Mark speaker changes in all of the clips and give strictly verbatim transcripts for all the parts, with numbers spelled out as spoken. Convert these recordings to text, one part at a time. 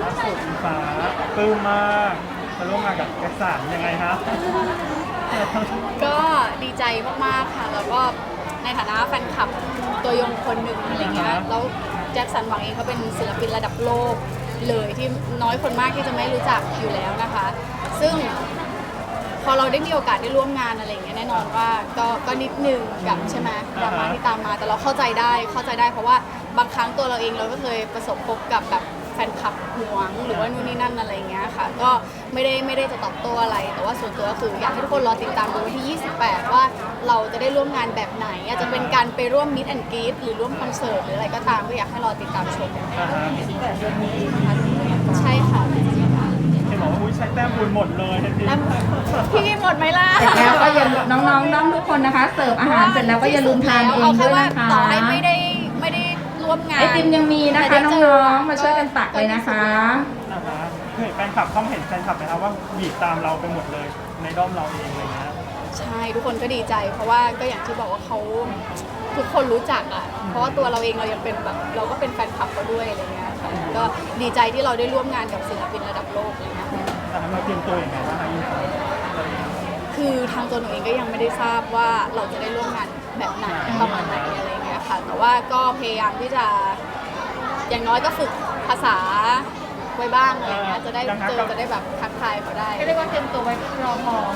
Speaker 1: ล่าสุดอิงฟ้าปลื้มมากมาร่วมงานกับแจ็คสันยังไงฮะ
Speaker 2: ก็ดีใจมากๆค่ะแล้วก็ในฐานะแฟนคลับตัวยงคนหนึ่งอะไรเงี้ยแล้วแจ็คสันหวังเองเขาเป็นศิลปินระดับโลกเลยที่น้อยคนมากที่จะไม่รู้จักอยู่แล้วนะคะ ซึ่งพอเราได้มีโอกาสได้ร่วมงานอะไรเงี้ยแน่นอนว่าก็ก็นิดนึงกับใช่ไหมดราม่าที่ตามมาแต่เราเข้าใจได้เข้าใจได้เพราะว่าบางครั้งตัวเราเองเราก็เคยประสบพบกับแบบแฟนคลับหวงหรือว่านู่นนี่นั่นอะไรเงี้ยค่ะก็ไม่ได้ไม่ได้จะตอบโต้อะไรแต่ว่าส่วนตัวก็คืออยากให้ทุกคนรอติดตามดูวันที่ ยี่สิบแปด ว่าเราจะได้ร่วมงานแบบไหนอาจจะเป็นการไปร่วมมิตแอนด์กรีดหรือร่วมคอนเสิร์ตหรืออะไรก็ตามก็อยากให้รอติดตามชมใช่ค่ะ
Speaker 1: เห็นบอกว่าอุ้ยใช้แต้มบุญหมดเลยทันที
Speaker 2: แล้วพี่หมดไหมล่ะ
Speaker 3: เสร็จแล้วก็อย่าน้องๆน้องทุกคนนะคะเสิร์ฟอาหารเสร็จแล้วก็อย่าลืมทานเองด้วยนะคะ
Speaker 2: ต่อให้ไม่ได้ไม่ได้ร่วมงาน
Speaker 3: ไอติมยังมีนะคะน้องๆมาช่วยกันตักเลยนะคะ
Speaker 1: นะคะเห็นแฟนคลับต้องเห็นแฟนคลับไหมครับว่าบีบตามเราไปหมดเลยในด้อมเราเองอะไรเงี้ย
Speaker 2: ใช่ทุกคนก็ดีใจ เพราะว่าก็อย่างที่บอกว่าเขาทุกคนรู้จักอ่ะเพราะว่าตัวเราเองเรายังเป็นแบบเราก็เป็นแฟนคลับเขาด้วยอะไรเงี้ยค่ะก็ดีใจที่เราได้ร่วมงานกับศิลปินระดับโลกเลยนะ
Speaker 1: แต่เราเตรียมตัวอย่างไรบ้างคะอิงฟ้า
Speaker 2: คือทางตัวหนูเองก็ยังไม่ได้ทราบว่าเราจะได้ร่วมงานแบบไหนประมาณไหนอะไรเงี้ยค่ะแต่ว่าก็พยายามที่จะอย่างน้อยก็ฝึกภาษาไว้บ้างอะไรเงี้ยจะได้เจอจะได้แบบทักทายเขาได้
Speaker 3: เรียกว่าเตรียมตัวไว้รอพอ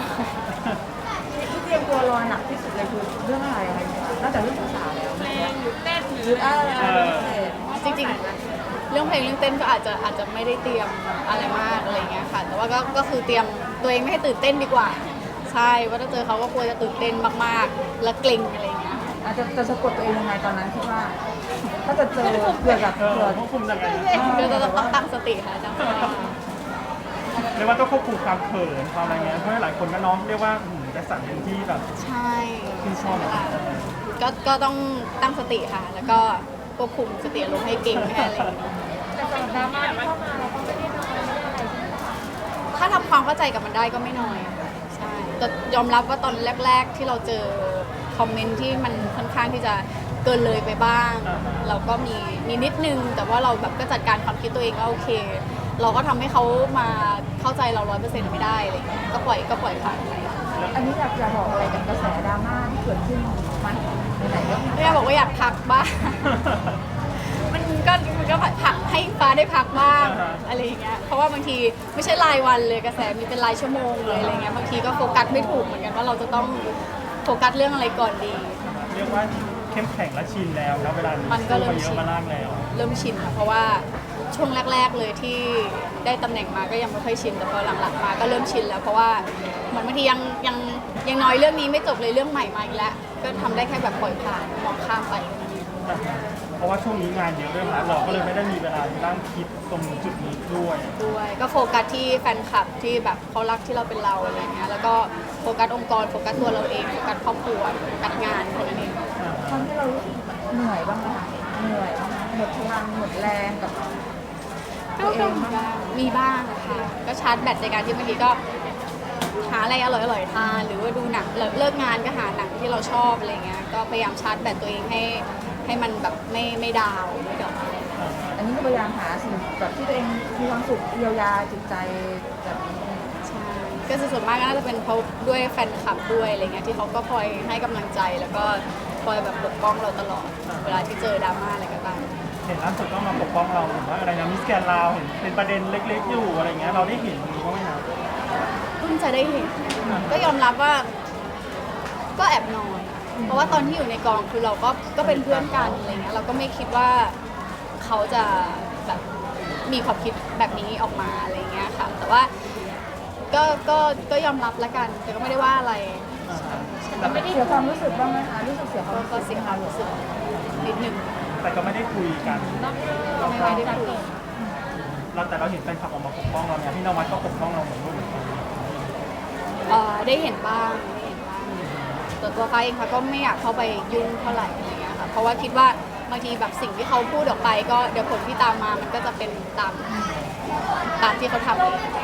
Speaker 3: ที่เตรียมตัวรอหนักที่สุดเลยคือเรื่องอะไรคะนอกจากเรื่องภาษาแล้วเพลงหรือเต้นหรืออะไร
Speaker 2: จริงๆเรื่องเพลงเรื่องเต้นก็อาจจะอาจจะไม่ได้เตรียมอะไรมากอะไรเงี้ยค่ะแต่ว่าก็ก็คือเตรียมตัวเองไม่ให้ตื่นเต้นดีกว่าใช่ว่าถ้าเจอเขาก็ควรจะตื่นเต้นมากๆและเกรงอะไรเงี้ย
Speaker 3: อาจจะจะสะกดตัวเองยังไงตอนนั้นคิดว่าถ้าจะเจอเผื่อกับ
Speaker 1: เออ
Speaker 3: เผื่อ
Speaker 1: ควบคุมยังไง
Speaker 2: ก็จะต้องตั้งสติค่ะตั้งสติ
Speaker 1: เรียกว่าต้องควบคุมความเขินความอะไรเงี้ยเพราะหลายคนก็น้องเรียกว่าหืมแจ็คสันเป็นที่แบบ
Speaker 2: ใช่
Speaker 1: ที่ชอบแบบนั้น
Speaker 2: ก็ก็ต้องตั้งสติค่ะ แล้วก็ควบคุมสติอารมณ์ให้เก่งให้อะไรอย่างเงี้ย
Speaker 3: แต่สำหรับดราม่าที่เข้ามาเราก็ไม่ได้น้อยไม่ได้อะไรใช่ไหมคะ
Speaker 2: ถ้าทำความเข้าใจกับมันได้ก็ไม่น้อยค่ะใช่แต่ยอมรับว่าตอนแรก ๆ ที่เราเจอคอมเมนต์ที่มันค่อนข้างที่จะเกินเลยไปบ้าง เราก็มีมีนิดนึง แต่ว่าเราแบบก็จัดการความคิดตัวเองว่าโอเค เราก็ทำให้เขามาเข้าใจเราร้อยเปอร์เซ็นต์ไม่ได้อะไรอย่างเงี้ยก็ปล่อยก็ปล่อยผ่านไป
Speaker 3: อันนี้อยากจะบอกอะไรกับกระแสดราม่าที่เกิดขึ้นไหมในไหนเรื่อง
Speaker 2: ไม่อยากบอกว่าอยากพักบ้าง มันก็มันก็พักให้ฟ้าได้พักบ้างอะไรอย่างเงี้ย เพราะว่าบางทีไม่ใช่รายวันเลยกระแสมีเป็นรายชั่วโมงเลยอะไรเงี้ย บางทีก็โฟกัสไม่ถูกเหมือนกันว่าเราจะต้องโฟกัสเรื่องอะไรก่อนดี
Speaker 1: เรียกว่าเข้มแข็งและชินแล้วนะเวลา
Speaker 2: มันก็เริ่ม
Speaker 1: เย
Speaker 2: ชิ
Speaker 1: อะ
Speaker 2: น
Speaker 1: มามากแล้ว
Speaker 2: เริ่มชินค่ะเพราะว่าช่วงแรก ๆเลยที่ได้ตำแหน่งมาก็ยังไม่ค่อยชิน แต่พอหลังๆมาก็เริ่มชินแล้วเพราะว่าเหมือนบางทียังยังยังน้อยเรื่องนี้ไม่จบเลยเรื่องใหม่มาอีกแล้ว ก็ทำได้แค่แบบปล่อยผ่านมองข้ามไป
Speaker 1: เพราะว่าช่วงนี้งานเยอะด้วยนะเราก็เลยไม่ได้มีเวลาที่นั่งคิดตรงจุดนี้ด้วย
Speaker 2: ด้วยก็โฟกัสที่แฟนคลับที่แบบเขารักที่เราเป็นเราอะไรเงี้ยแล้วก็โฟกัสองค์กรโฟกัสตัวเราเองโฟกัสครอบครัวโฟกัสงานคนนั้นเอง
Speaker 3: ตอนที่เรารู้สึกเหนื่อยบ้างไหมคะเหนื่อยบ้างไหมหมดพลังหมดแรงกับตัวเองบ้างไหม
Speaker 2: มีบ้างค่ะก็ชาร์จแบตในการที่บางทีก็หาอะไรอร่อยๆทานหรือว่าดูหนังเลิกงานก็หาหนังที่เราชอบอะไรเงี้ยก็พยายามชาร์จแบตตัวเองให้ให้มันแบบไม่ไม่ดาวไม่ดาว
Speaker 3: อันนี้ก็พยายามหาสิ่งแบบที่ตัวเองมีความสุขเยียวยาจิตใจแบบนี้
Speaker 2: ใช่ก็ส่วนมากก็น่าจะเป็นเพราะด้วยแฟนคลับด้วยอะไรเงี้ยที่เขาก็คอยให้กำลังใจแล้วก็คอยแบบปกป้องเราตลอดเวลาที่เจอดราม่าอะไรก็ตาม
Speaker 1: เห็นล่าสุดก็มาปกป้องเราเห็นว่าอะไรนะมิสแกนลาวเห็นเป็นประเด็นเล็กๆอยู่อะไรเงี้ยเราได้เห็นนี้บ้างไหมครับ
Speaker 2: เพิ่งจะได้เห็นก็ยอมรับว่าก็แอบนอยเพราะว่าตอนที่อยู่ในกองคือเราก็ก็เป็นเพื่อนกันอะไรเงี้ยเราก็ไม่คิดว่าเขาจะแบบมีความคิดแบบนี้ออกมาอะไรเงี้ยค่ะแต่ว่าก็ก็ก็ยอมรับละกันแต่ก็ไม่ได้ว่าอะไร
Speaker 1: แต่ไม่ได้
Speaker 3: เสียความรู้สึกบ้างไหมคะรู้สึกเสียความ
Speaker 2: ก็
Speaker 3: รู้
Speaker 2: ก็
Speaker 3: สึก
Speaker 2: เสียความรู้สึกนิดนึง
Speaker 1: แต่ก็ไม่ได้คุยกัน
Speaker 2: ไม่ได้คุย
Speaker 1: เราแต่เราเห็นแฟนคลับออกมาปกป้องเราเนี่ยพี่นวัดก็ปกป้องเราเหมือนกัน
Speaker 2: เอ่อได้เห็นบ้างได้เห็นบ้างแต่ตัวฟ้าเองค่ะก็ไม่อยากเข้าไปยุ่งเท่าไหร่อะไรเงี้ยค่ะเพราะว่าคิดว่าบางทีแบบสิ่งที่เขาพูดออกไปก็เดี๋ยวผลที่ตามมามันก็จะเป็นตามตามที่เขาทำเอง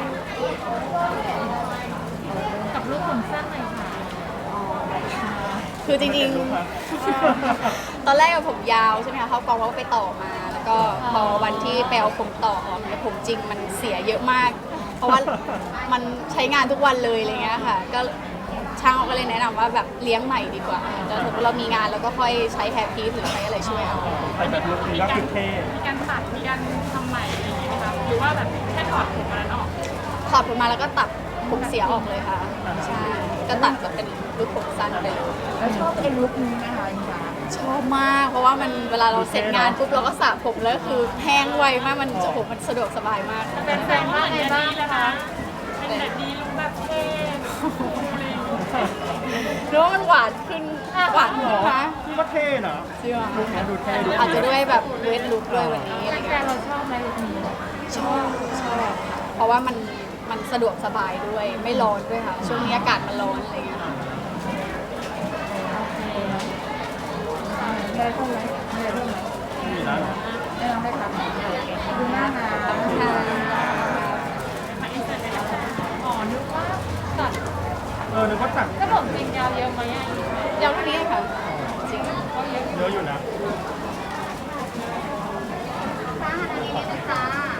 Speaker 3: กับลูกผมสั้นหน่อยค่ะ
Speaker 2: คือจริงๆ ตอนแรกอะผมยาวใช่ไหมคะเข้ากองเขาก็ไปต่อมาแล้วก็พอวันที่ไปเอาผมต่อออกเนี่ยผมจริงมันเสียเยอะมาก เพราะว่ามันใช้งานทุกวันเลยอะไรเงี้ยค่ะก็ช่างเขาก็เลยแนะนำว่าแบบเลี้ยงใหม่ดีกว่าแล้วถ้าเรามีงานเราก็ค่อยใช้แฮร์พีซหรือใช้อะไรช่วยเอา
Speaker 1: ไปแบบลุคนี้ก็คือเท่
Speaker 4: มีการตัดมีการทำใหม่อะไรอย่างเงี้ยไหมคะหรือว่าแบบแค่ถอดผมอันนั้นออก
Speaker 2: ถอดผมมาแล้วก็ตัดผมเสียออกเลยค่ะใช่ก็ตัดแบบเป็นลูกผมสั้นไปเลย
Speaker 3: แล้วชอบไอ้ลุคนี้ไหมคะอิงฟ้า
Speaker 2: ชอบมากเพราะว่ามันเวลาเราเสร็จงานปุ๊บเราก็สระผมแล้วคือแห้งไวมากมันโอ้โหมันสะดวกสบายมาก
Speaker 4: เป็นแฟนว่าไงบ้างนะคะเป็นแบบนี้ลุคแบบเท่อะไรอย่างเงี้ย
Speaker 2: หรือว่ามันหวานขึ้นหวานขึ้นนะ
Speaker 1: นี่ก็เท่นะ
Speaker 2: จริงเหรอ
Speaker 1: ลุคนี้ดูเท่ดู
Speaker 2: อาจจะด้วยแบบเวทลุคด้วยวันนี้อะไร
Speaker 3: แฟ
Speaker 2: เงี้
Speaker 3: น
Speaker 2: ย
Speaker 3: เราชอบไหมลุคนี้
Speaker 2: ชอบชอบค่ะเพราะว่ามันมันสะดวกสบายด้วยไม่ร้อนด้วยค่ะช่วงนี้อากาศมันร้อนอะไรเงี้ย
Speaker 3: มีอะไรเพิ่มไหมมีอะไรเพิ่มไหม
Speaker 1: นี่นะ
Speaker 3: ไม่ต้องได้ครับดูหน้าหนาว
Speaker 2: ค่ะ
Speaker 4: มาอินเสิร์ตเลยนะคะอ๋อนึกว่าตัด
Speaker 1: เออนึกว่าตัด
Speaker 4: ถ้าผมจริงยาวเยอะไหมอ่ะ
Speaker 2: ยาวเท่านี้ค่ะจริง
Speaker 4: ก็เยอะ
Speaker 1: เยอะอยู่นะ
Speaker 2: ค่ะอันนี้นิดนึงจ้า